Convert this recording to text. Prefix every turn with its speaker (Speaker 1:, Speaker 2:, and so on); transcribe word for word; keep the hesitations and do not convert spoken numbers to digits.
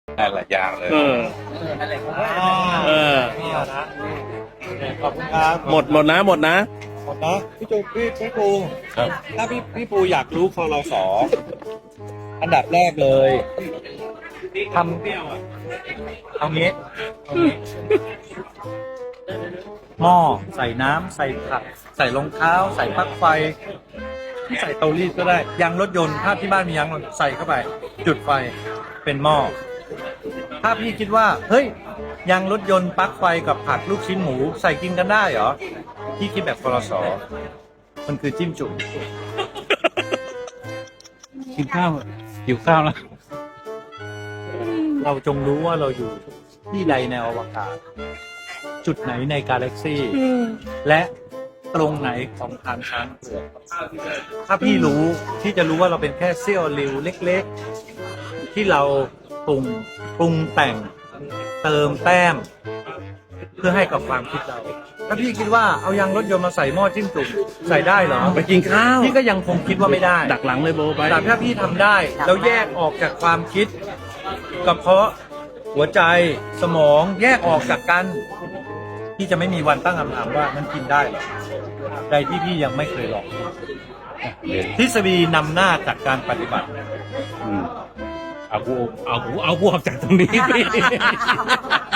Speaker 1: ได้หลายอย่างเลย
Speaker 2: เออ เออ
Speaker 3: ขอบคุณครับ
Speaker 2: หมดหมดนะหมดนะ
Speaker 3: หมดนะพี่จูพี่พี่ปู
Speaker 1: ครับ
Speaker 3: ถ้าพี่พี่ปูอยากรู้คอรสอันดับแรกเลยทำเอางี้เอางี้หม้อใส่น้ำใส่ผักใส่รองเท้า ใส่ปลั๊กไฟ ใส่เตารีดก็ได้ยางรถยนต์ถ้าที่บ้านมียางรถใส่เข้าไป จุดไฟเป็นหม้อถ้าพี่คิดว่าเฮ้ยยางรถยนต์ปลั๊กไฟกับผัดลูกชิ้นหมูใส่กินกันได้เหรอพี่คิดแบบคอรสอมันคือจิ้มจุ่ม
Speaker 1: กินข้าวหิวข้าวแล้ว
Speaker 3: เราจงรู้ว่าเราอยู่ที่ใดในอวกาศ จุดไหนในกาแล็กซี่และตรงไหนของทางช้างเผือกถ้าพี่รู้ที่จะรู้ว่าเราเป็นแค่เสี้ยวริวเล็กๆ ที่เราปรุงปรุงแต่งเติมแต้ม เพื่อให้กับความคิดเรา ถ้าพี่คิดว่าเอายางรถยนต์มาใส่หม้อจิ้มจุ่มใส่ได้เหรอ
Speaker 2: ไปกินข้าว
Speaker 3: พี่ก็ยังคงคิดว่าไม่ได้
Speaker 2: ดักหลังเลยโบไป
Speaker 3: แต่ถ้าพี่ทำได้แล้วแยกออกจากความคิดกระเพาะหัวใจสมองแยกออกจากกันพี่จะไม่มีวันตั้งคำถามว่ามันกินได้เหรอใดที่พี่ยังไม่เคยลองทฤษฎีนำหน้าจากการปฏิบัติ
Speaker 1: อืมเอากูเอากูเอากูออกจากตรงนี้พี่